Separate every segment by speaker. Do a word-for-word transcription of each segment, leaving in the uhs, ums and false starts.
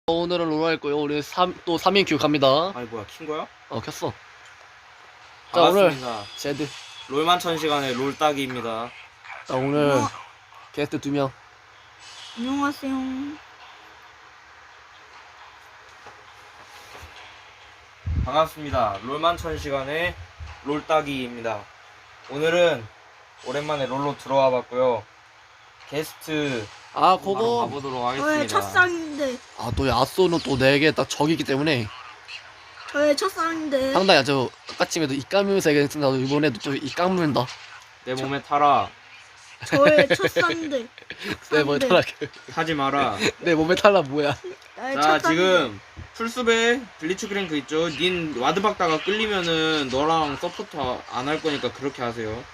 Speaker 1: 오늘은 롤 할 거예요. 우리 삼, 또 삼 인 큐 갑니다.
Speaker 2: 아니 뭐야 킨 거야?
Speaker 1: 어 켰어. 자 오늘
Speaker 2: 반갑습니다.
Speaker 1: 제드.
Speaker 2: 롤만 천 시간의 롤 따기입니다.
Speaker 1: 자 오늘
Speaker 3: 어.
Speaker 1: 게스트 두 명.
Speaker 3: 안녕하세요.
Speaker 2: 반갑습니다. 롤만 천 시간의 롤 따기입니다. 오늘은 오랜만에 롤로 들어와 봤고요. 게스트
Speaker 1: 아
Speaker 2: 바로
Speaker 1: 그거.
Speaker 2: 가보도록
Speaker 3: 저의
Speaker 2: 하겠습니다.
Speaker 3: 첫상인데,
Speaker 1: 아또 야쏘는 또 네 개 딱 적이기 때문에
Speaker 3: 저의 첫상인데,
Speaker 1: 상당히 아주 아까쯤에도 이 까면서 얘기했습니다. 이번에도 또 이 까문다.
Speaker 2: 내 몸에 타라.
Speaker 3: 저의 첫상인데,
Speaker 1: 내 몸에 탈라.
Speaker 2: 타지 마라.
Speaker 1: 내 몸에 탈라 뭐야?
Speaker 3: 나의
Speaker 2: 자
Speaker 3: 첫상인데.
Speaker 2: 지금 풀숲에 블리츠 크랭크 있죠? 닌 와드 박다가 끌리면은 너랑 서포트 안 할 거니까 그렇게 하세요.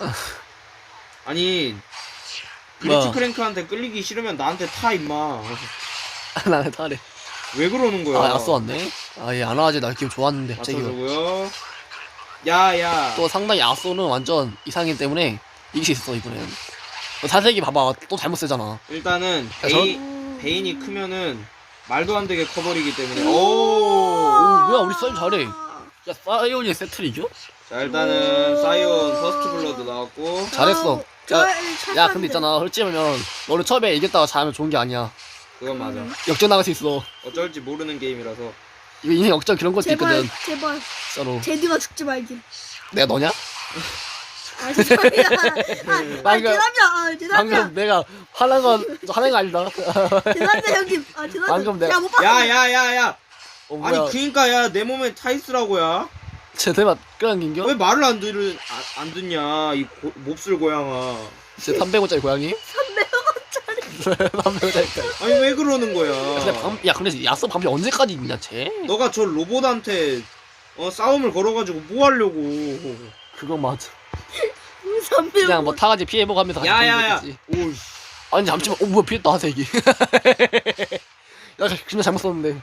Speaker 2: 아니 블리츠
Speaker 1: 뭐?
Speaker 2: 크랭크한테 끌리기 싫으면 나한테 타 임마.
Speaker 1: 나는 탈래.
Speaker 2: 왜 그러는 거야?
Speaker 1: 아 야쏘 왔네. 아얘 안 와가지고 나 기분 좋았는데 갑자기.
Speaker 2: 맞춰주고요. 야야.
Speaker 1: 또 상당히 야쏘는 완전 이상이기 때문에 이길 수 있어 이번엔. 사색이 봐봐 또 잘못 쓰잖아.
Speaker 2: 일단은
Speaker 1: 야,
Speaker 2: 베이,
Speaker 3: 음,
Speaker 2: 베인이 크면은 말도 안 되게 커버리기 때문에.
Speaker 3: 오,
Speaker 2: 오.
Speaker 1: 뭐야, 우리 사이온 잘해. 야 사이온이 세트를 이겨?
Speaker 2: 자 일단은 사이온 퍼스트 블러드 나왔고.
Speaker 1: 잘했어.
Speaker 3: 저의
Speaker 1: 야,
Speaker 3: 첫상인데.
Speaker 1: 야 근데 있잖아 솔직히면 너를 처음에 이겼다가 잘하면 좋은 게 아니야.
Speaker 2: 그건 맞아.
Speaker 1: 역전 나갈 수 있어.
Speaker 2: 어쩔지 모르는 게임이라서.
Speaker 1: 이거 인생 역전 그런 것도
Speaker 3: 제발,
Speaker 1: 있거든.
Speaker 3: 제발,
Speaker 1: 진짜로.
Speaker 3: 제드가 죽지 말길.
Speaker 1: 내가 너냐?
Speaker 3: 아, 죄송합니다. 아, 아,
Speaker 1: 방금-
Speaker 3: 죄송합니다. 아, 죄송합니다.
Speaker 1: 방금 내가 화난 건 화난 거 아니다.
Speaker 3: 죄송합니다, 형님. 아, 죄송합니다.
Speaker 1: 방금 내가-
Speaker 3: 제가 못 봤어.
Speaker 2: 야야야야.
Speaker 1: 어,
Speaker 2: 아니
Speaker 1: 뭐야?
Speaker 2: 그니까 야 내 몸에 타 있으라고야.
Speaker 1: 제대만 끌어당긴겨?
Speaker 2: 왜 말을 안 들은 아, 안 듣냐 이 고, 몹쓸 고양아.
Speaker 1: 제 삼백 원짜리 고양이?
Speaker 3: 삼백 원짜리.
Speaker 1: 삼백 원짜리.
Speaker 2: 아니 왜 그러는 거야?
Speaker 1: 근데 방, 야 근데 야쏘 방비 언제까지 있냐 쟤?
Speaker 2: 너가 저 로봇한테 어 싸움을 걸어가지고 뭐 하려고?
Speaker 1: 그건 맞아.
Speaker 3: 삼백 원.
Speaker 1: 그냥 뭐 타가지 피해보고 하면서 같이
Speaker 2: 야야야.
Speaker 1: 돌리겠지.
Speaker 2: 오이.
Speaker 1: 아니 잠시만. 어 뭐야 피했다 하색이. 야 진짜 잘못 썼는데.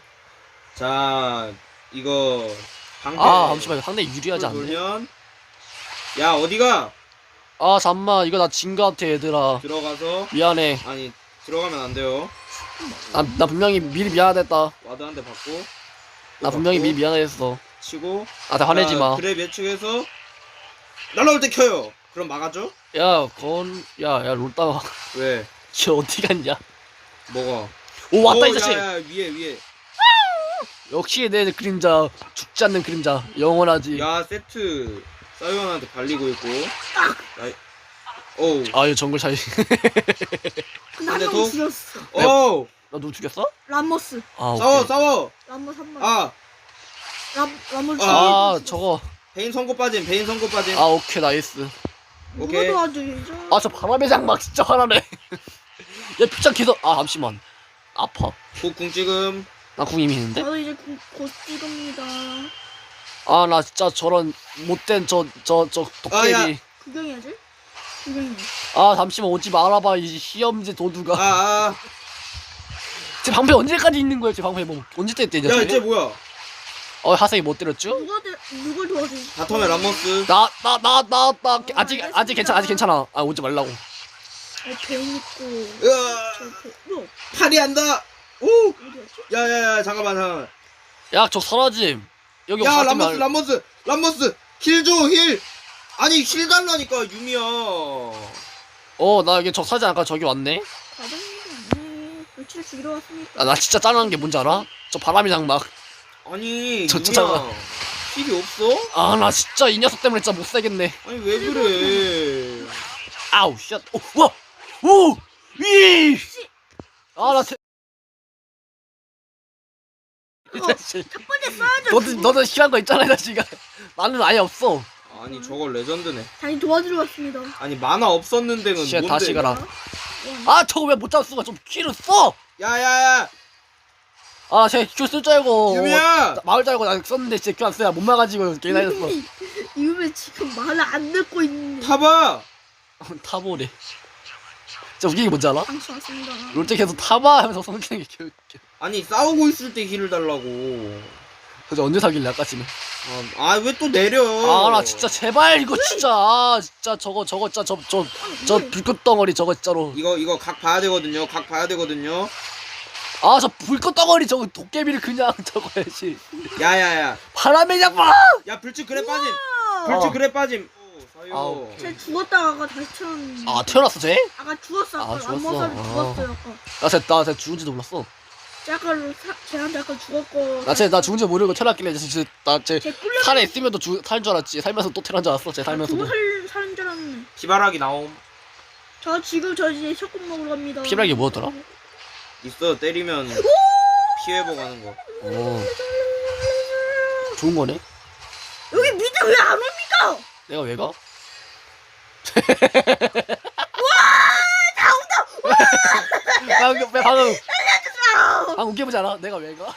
Speaker 2: 자 이거 방패.
Speaker 1: 아 잠시만 상당히 유리하지 않네.
Speaker 2: 돌면 야 어디가
Speaker 1: 아 잠만 이거 나 진 거 같아 얘들아.
Speaker 2: 들어가서
Speaker 1: 미안해.
Speaker 2: 아니 들어가면 안 돼요.
Speaker 1: 나, 나 분명히 미리 미안했다.
Speaker 2: 와드 한 대 받고.
Speaker 1: 나 분명히
Speaker 2: 받고,
Speaker 1: 미리 미안했어.
Speaker 2: 치고.
Speaker 1: 나한테 화내지 마.
Speaker 2: 그래 예측해서 날라올 때 켜요. 그럼 막아줘?
Speaker 1: 야, 건, 야, 야, 롤다가,
Speaker 2: 왜?
Speaker 1: 쟤 어디 갔냐?
Speaker 2: 뭐가?
Speaker 1: 오, 왔다,
Speaker 2: 어,
Speaker 1: 이 자식!
Speaker 2: 야, 야, 위에 위에.
Speaker 1: 역시 내 그림자, 죽지 않는 그림자, 영원하지.
Speaker 2: 야 세트 사이언한테 발리고 있고. 야, 오우.
Speaker 1: 아, 이거 정글 차이.
Speaker 3: 근데
Speaker 2: 근데
Speaker 3: 한명
Speaker 2: 또-
Speaker 3: 죽였어.
Speaker 2: 오우.
Speaker 1: 나 누구 죽였어?
Speaker 3: 람모스.
Speaker 1: 아, 오케이.
Speaker 2: 싸워 싸워.
Speaker 3: 람모스 한 번.
Speaker 2: 아
Speaker 3: 람, 람모스.
Speaker 1: 아, 저거.
Speaker 2: 베인 선고 빠짐. 베인 선고 빠짐.
Speaker 1: 아, 오케이, 나이스.
Speaker 2: 오케이.
Speaker 3: 누가 도와주죠?
Speaker 1: 아, 저 바람의 장막 진짜 화나네. 야, 피자 계속, 아, 잠시만. 아파.
Speaker 2: 국궁 찍음.
Speaker 1: 나 궁 이미 있는데?
Speaker 3: 저도 이제 곧, 곧 찍습니다.
Speaker 1: 아, 나 진짜 저런 못된 저, 저, 저,
Speaker 2: 아, 야.
Speaker 1: 도깨비.
Speaker 3: 구경해야지. 구경해.
Speaker 1: 아, 잠시만 오지 말아봐, 이 시험지 도두가.
Speaker 2: 아 아.
Speaker 1: 제 방패 언제까지 있는 거야, 제 방패 뭐. 언제 때 때냐,
Speaker 2: 야
Speaker 1: 쟤?
Speaker 2: 이제 뭐야?
Speaker 1: 어, 하생이 못 때렸죠?
Speaker 3: 누가 들, 누굴 도와주지?
Speaker 2: 바텀에 람머스.
Speaker 1: 나, 나, 나, 나, 나, 아직,
Speaker 3: 알겠습니다.
Speaker 1: 아직 괜찮아, 아직 괜찮아. 아, 오지 말라고.
Speaker 3: 어, 베인 있고.
Speaker 2: 으아.
Speaker 3: 저 베, 뭐
Speaker 2: 팔이 한다. 오.
Speaker 3: 어디였지?
Speaker 2: 야야야 잠깐만 잠깐만.
Speaker 1: 야, 저 사라짐. 여기
Speaker 2: 야
Speaker 1: 가지
Speaker 2: 람머스
Speaker 1: 말-
Speaker 2: 람머스 람머스 힐 줘 힐. 아니 힐 달라니까 유미야.
Speaker 1: 어, 나 여기 저 사지 않을까? 저기 왔네.
Speaker 3: 과정입니다. 네, 며칠 죽이러 왔으니까.
Speaker 1: 아, 나 진짜 짠한 게 뭔지 알아? 저 바람이 장막.
Speaker 2: 아니
Speaker 1: 저
Speaker 2: 유미야.
Speaker 1: 쫓아가.
Speaker 2: 힐이 없어?
Speaker 1: 아, 나 진짜 이 녀석 때문에 진짜 못 살겠네.
Speaker 2: 아니 왜 그래?
Speaker 1: 아우, 쉣. 오, 와! 오! 이! 아, 나 태... 이 자식.
Speaker 3: 첫 번째 써야죠.
Speaker 1: 너도, 너도 싫어한 거 있잖아, 이 자식아. 나는 아예 없어.
Speaker 2: 아니 저걸 레전드네.
Speaker 3: 다시 도와주러 왔습니다.
Speaker 2: 아니 만화 없었는데는
Speaker 1: 쉣,
Speaker 2: 뭔데?
Speaker 1: 다시 가라.
Speaker 3: 와,
Speaker 1: 아, 저거 왜 못 잡을 수가 좀 키를 써!
Speaker 2: 야야야
Speaker 1: 아, 쟤큐쓸줄 알고.
Speaker 2: 유미야.
Speaker 1: 어, 마을 줄 알고 나 썼는데 진짜 큐안 써야 못 막아지고 게임 다녔어.
Speaker 3: 이유면 지금 말을 안 듣고 있는데.
Speaker 2: 타봐.
Speaker 1: 타보래. 진짜 웃긴 게 뭔지 알아?
Speaker 3: 방수 왔습니다.
Speaker 1: 롤때 계속 타봐 하면서 성기는 게 개웃겨.
Speaker 2: 아니 싸우고 있을 때 힐을 달라고.
Speaker 1: 그래서 언제 사길래 아까쯤에.
Speaker 2: 아 왜 또 내려?
Speaker 1: 아 나 진짜 제발 이거 진짜 아 진짜 저거 저거 진짜 저 저 저 불꽃 덩어리 저거 진짜로.
Speaker 2: 이거 이거 각 봐야 되거든요. 각 봐야 되거든요.
Speaker 1: 아 저 불꽃 덩어리 저거 도깨비를 그냥 저거야지.
Speaker 2: 야야야
Speaker 1: 바람의 장마.
Speaker 2: 야 불치 그래 빠짐
Speaker 3: 아,
Speaker 2: 불치
Speaker 1: 어.
Speaker 2: 그래 빠짐 오, 사요
Speaker 1: 아우.
Speaker 3: 쟤 죽었다가 아까 다시 태어났는데.
Speaker 1: 아 태어났어 쟤?
Speaker 3: 아까 죽었어. 아까
Speaker 1: 아,
Speaker 3: 안
Speaker 1: 죽었어?
Speaker 3: 먹어서
Speaker 1: 아.
Speaker 3: 죽었어요. 아까.
Speaker 1: 나쟤나쟤 죽은지도 몰랐어.
Speaker 3: 쟤 아까 사- 쟤한테 아까 죽었고.
Speaker 1: 나 쟤 나 죽은지 모르고 태어났길래 나쟤
Speaker 3: 쟤 꿀려.
Speaker 1: 살에 있으면 또살줄 알았지. 살면서 또 태어난 줄 알았어. 쟤 살면서도.
Speaker 3: 죽어 살 사는 줄 알았네.
Speaker 2: 피바라기 나옴
Speaker 3: 저 지금 저 이제 셔국 먹으러 갑니다.
Speaker 1: 피바라기 뭐였더라?
Speaker 2: 있어 때리면 피 회복하는 거
Speaker 1: 어 좋은 거네.
Speaker 3: 여기 미드 왜 안 옵니까?
Speaker 1: 내가 왜 가?
Speaker 3: 나온다.
Speaker 1: 방금 왜 방금
Speaker 3: 아,
Speaker 1: 방금 웃겨보지 않아? 내가 왜 가?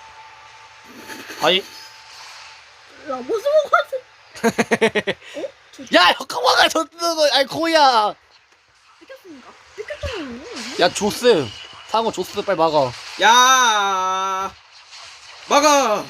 Speaker 1: 아니
Speaker 3: 라모스 먹었어. 어? 저
Speaker 1: 야 혁화가 저 쓰는 거 아니 코야.
Speaker 3: 뺏겼습니까? 뺏겼잖아요.
Speaker 1: 야 조스 상어 조스 빨리 막아.
Speaker 2: 야 막아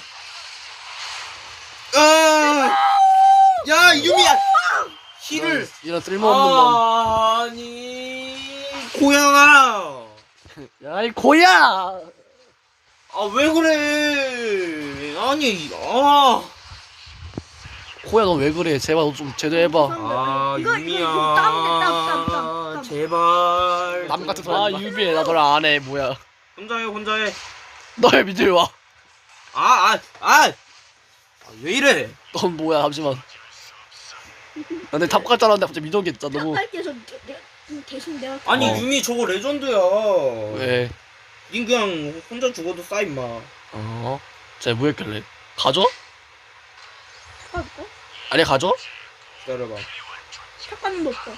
Speaker 2: 아! 야 유미야 힐을
Speaker 1: 이런 쓸모없는 놈.
Speaker 2: 아니 고양아
Speaker 1: 야 이 코야.
Speaker 2: 아 왜 그래 아니 아
Speaker 1: 코야 너 왜 그래? 제발 너 좀 제대로 해봐.
Speaker 2: 아,
Speaker 3: 이거, 이거,
Speaker 2: 유미야.
Speaker 3: 이거 땀, 땀, 땀, 땀, 땀.
Speaker 2: 제발.
Speaker 1: 남 같은 소리. 아 유비해 나 너랑 안 해. 뭐야?
Speaker 2: 혼자 해, 혼자 해.
Speaker 1: 너왜 믿을 와?
Speaker 2: 아, 아, 아. 아, 왜 이래?
Speaker 1: 넌 뭐야? 잠시만. 나 근데 탑갈 줄 알았는데 갑자기 미동이 있잖아. 너무.
Speaker 3: 할게 저 내가 대신 내가.
Speaker 2: 아니,
Speaker 1: 어.
Speaker 2: 유미 저거 레전드야.
Speaker 1: 왜?
Speaker 2: 닌 그냥 혼자 죽어도 싸, 임마.
Speaker 1: 어? 쟤 뭐했길래? 가져?
Speaker 3: 할까?
Speaker 1: 아니 가져?
Speaker 2: 기다려봐.
Speaker 3: 착각은 없어.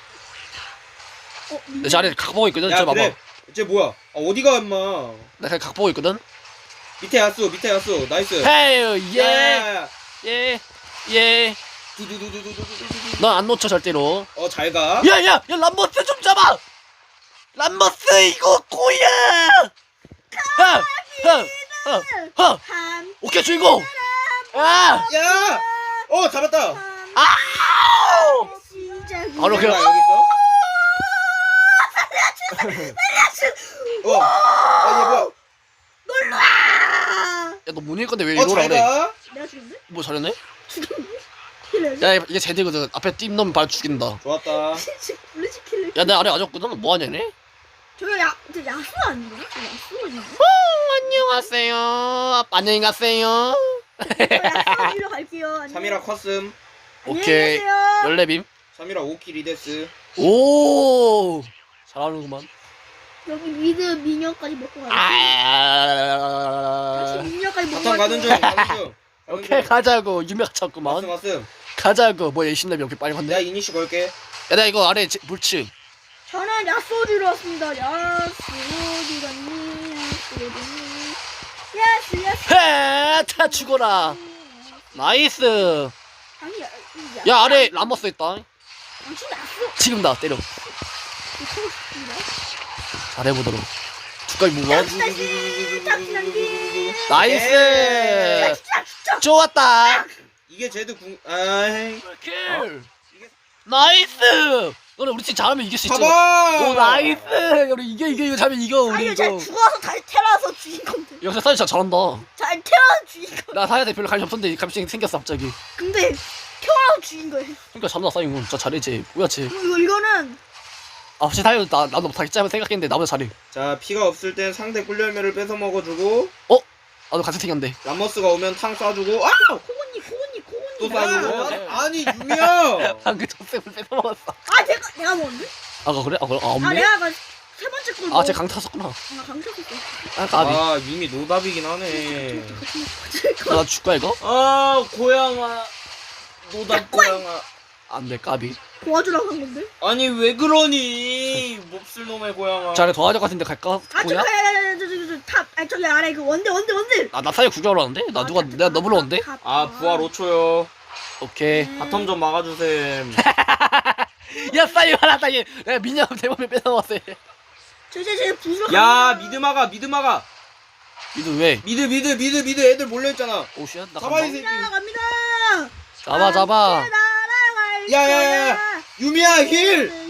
Speaker 3: 어,
Speaker 1: 내 자리에 각 보고 있거든.
Speaker 2: 야,
Speaker 1: 저 봐봐.
Speaker 2: 그래. 쟤 뭐야? 아, 어디가, 임마.
Speaker 1: 나 그냥 각 보고 있거든.
Speaker 2: 밑에 야수, 밑에 야수. 나이스.
Speaker 1: 헤이
Speaker 2: 야,
Speaker 1: 예.
Speaker 2: 야, 야.
Speaker 1: 예. 예.
Speaker 2: 두두두두두두두두.
Speaker 1: 넌 안 놓쳐 절대로.
Speaker 2: 어, 잘 가.
Speaker 1: 야, 야, 야, 람버스 좀 잡아! 람버스, 이거, 꼬야! 하! 하! 하! 하!
Speaker 3: 한.
Speaker 1: 오케이, 주인공! 아!
Speaker 2: 야! 어, 잡았다.
Speaker 1: 아우!
Speaker 3: 시작.
Speaker 1: 바로
Speaker 2: 야,
Speaker 1: 그냥-
Speaker 2: 여기 있어? 어. 아, 얘 뭐야?
Speaker 3: 놀라.
Speaker 1: 야, 너 못 읽을 건데 왜
Speaker 2: 어,
Speaker 1: 이러라
Speaker 2: 잘
Speaker 1: 그래?
Speaker 2: 가.
Speaker 3: 내가 죽였네?
Speaker 1: 뭐 잘했네?
Speaker 3: 죽였네? 킬을.
Speaker 1: 야, 이게 제대거든. 앞에 띠 넣으면 바로 죽인다.
Speaker 2: 좋았다.
Speaker 3: 블루치 킬을.
Speaker 1: 야, 내 아래 아졌거든? 뭐하냐, 얘네?
Speaker 3: 저거 야, 저 야수 아닌가? 저 야수 아닌가?
Speaker 1: 안녕하세요. 안녕히 가세요.
Speaker 3: 저 야수 일로 갈게요. 안녕.
Speaker 2: 삼이라 컸음.
Speaker 3: 안녕히
Speaker 1: 오케이.
Speaker 3: 계세요.
Speaker 1: 열레빔.
Speaker 2: 삼이라 오 킬 이 데스.
Speaker 1: 오! 잘하는구만.
Speaker 3: 여기 미드 미녀까지 먹고 가야 돼.
Speaker 1: 아.
Speaker 3: 다시 미녀까지 먹고
Speaker 2: 바텀 가는 중, 가는 중.
Speaker 1: 오케이 가자고 유명
Speaker 2: 갔음,
Speaker 1: 찾구만
Speaker 2: 갔음.
Speaker 1: 가자고 뭐 열심히 이렇게 빨리
Speaker 2: 내가
Speaker 1: 갔네.
Speaker 2: 이니시 걸게.
Speaker 1: 야 나 이거 아래 제- 물층.
Speaker 3: 저는 야수 주러 왔습니다. 야수 어디 갔니? 야수 어디 갔니? 야수 야수.
Speaker 1: 헤다 죽어라. 나이스.
Speaker 3: 아니 야,
Speaker 1: 야 아래 람버스 있다.
Speaker 3: 당신 야수.
Speaker 1: 지금 나 때려.
Speaker 3: 이거 싶은데?
Speaker 1: 잘해보도록. 두까지 무거.
Speaker 3: 다시 다시 다시 난기.
Speaker 1: 나이스. 좋았다.
Speaker 2: 이게 제드 궁, 아이.
Speaker 1: 킬. 나이스. 너네 우리 팀 잘하면 이길 수 있지.
Speaker 2: 봐봐!
Speaker 1: 오 나이스. 우리 이겨 이겨 이거 잘하면 이겨 우리
Speaker 3: 아니
Speaker 1: 이거.
Speaker 3: 잘 죽어서 잘 태어나서 죽인 건데.
Speaker 1: 역시 사실 진짜 잘한다.
Speaker 3: 잘 태어나서 죽인 거.
Speaker 1: 나 사야돼 별로 관심 없었는데 갑자기 생겼어 갑자기.
Speaker 3: 근데 태어나서 죽인 거예요.
Speaker 1: 그러니까 잠나 사이고 진짜 잘해지. 뭐야 쟤.
Speaker 3: 이거 이거는
Speaker 1: 아 혹시 사연 나 나도 못하겠지 하면 생각했는데 나보다 잘해.
Speaker 2: 자, 피가 없을 땐 상대 꿀열매를 뺏어 먹어주고,
Speaker 1: 나도 같이 생겼는데.
Speaker 2: 람머스가 오면 탕 쏴주고, 아!
Speaker 3: 코고니 코고니
Speaker 2: 또
Speaker 3: 코고니.
Speaker 2: 쏴주고.
Speaker 1: 네.
Speaker 2: 아니, 유미야!
Speaker 1: 방금 젖샘을 뺏어 먹었어.
Speaker 3: 아 내가 내가 먹었는데?
Speaker 1: 아가 그래? 아 그래? 아
Speaker 3: 아
Speaker 1: 없네?
Speaker 3: 내가 아까 세 번째 걸.
Speaker 1: 아 쟤 강타였었구나.
Speaker 3: 아 강철했어.
Speaker 1: 아 까비.
Speaker 2: 아, 유미 노답이긴 하네.
Speaker 1: 나 줄까 이거?
Speaker 2: 아, 고양아. 노답 고양아.
Speaker 1: 안돼 까비.
Speaker 3: 도와주라고 한 건데?
Speaker 2: 아니, 왜 그러니? 몹쓸 놈의 고양아.
Speaker 1: 자네 도와줄 것 같은데 갈까?
Speaker 3: 아 저기
Speaker 1: 뭐냐?
Speaker 3: 탑. 아 저기 아래 그 원대 원대 원대.
Speaker 1: 아, 나 사연 구경하러 왔는데? 나 누가 내가 너 불러온대?
Speaker 2: 아, 부활 오 초요.
Speaker 1: 오케이.
Speaker 2: 바텀 좀 막아주셈.
Speaker 1: 야 사연 하나다 얘. 내가 미녀 대범에 뺏어 먹었어.
Speaker 3: 저저저 부수러.
Speaker 2: 야, 미드 막아, 미드 막아.
Speaker 1: 미드 왜?
Speaker 2: 미드, 미드, 미드, 미드 애들 몰려있잖아.
Speaker 1: 오시야? 나
Speaker 2: 가만히
Speaker 1: 간다.
Speaker 2: 있어.
Speaker 3: 갑니다 갑니다.
Speaker 1: 잡아 잡아.
Speaker 3: 날아갈
Speaker 2: 야, 야, 야.
Speaker 3: 거야.
Speaker 2: 유미야, 힐!